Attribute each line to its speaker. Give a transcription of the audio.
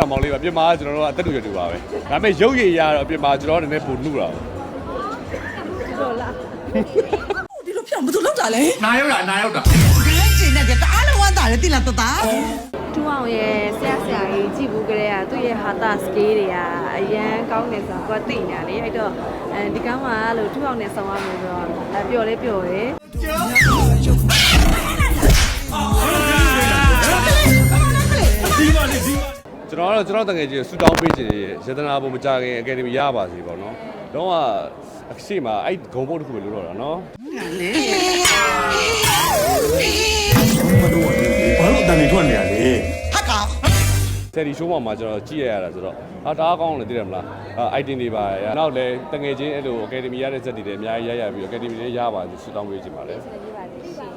Speaker 1: မောင်လေးပါပြင်မာကျွန်တော်တို့ကအသက်တူရတူပါပဲဒါပေမဲ့ရုပ်ရည်ရတော့ပြင်မာကျွန်တော်နည်းနည်းပိုနှုတာပါ
Speaker 2: လို့လား
Speaker 3: ဒီလိုပြောင်းဘယ်သူလောက်တာလဲ
Speaker 4: နာရောက်တာ
Speaker 3: ဒီလက်ကျင်နဲ့တအားလုံးဝမ်းတာလေတိလာတတာ
Speaker 2: တူအောင်ရဲ့ဆရာကြီးကြည့်ဘူးကြတဲ့ကသူ့ရဲ့ဟာတာစကေးတွေကအရန်ကောင်းတယ်ဆိုတော့သူကသိညာလေအဲ့တော့ဒီကောင်းကလို့တူအောင်နဲ့ဆောင်းရမယ်ဆိုတော့ပျော်လဲပျော်တယ်
Speaker 1: ကျွန်တော်တကယ်ကြီးဆူတောင်းပေးခြင်းရတနာဘုံမကြခင်အကယ်ဒမီရပါစီပေါ့နော်တော့အရှိမအဲ့ဂုံဘုတ်တစ်ခုပဲလို့တော့တာနော်
Speaker 3: လေ
Speaker 4: ဘာလို့အတန်နေထွက်နေရလဲ
Speaker 3: ဟာကောင်
Speaker 1: ဆယ်ဒီရှိုးမှာကျွန်တော်ကြည့်ရတာဆိုတော့ဟာတအားကောင်းတယ်သိတယ်မလားအိုက်တင်တွေပါရနောက်လည်းတကယ်ချင်းအဲ့လိုအကယ်ဒမီရတဲ့ဇက်တွေလည်းအများကြီးရပြီးအကယ်ဒမီလည်းရပါစီဆူတောင်းပေးခြင်းပါလေ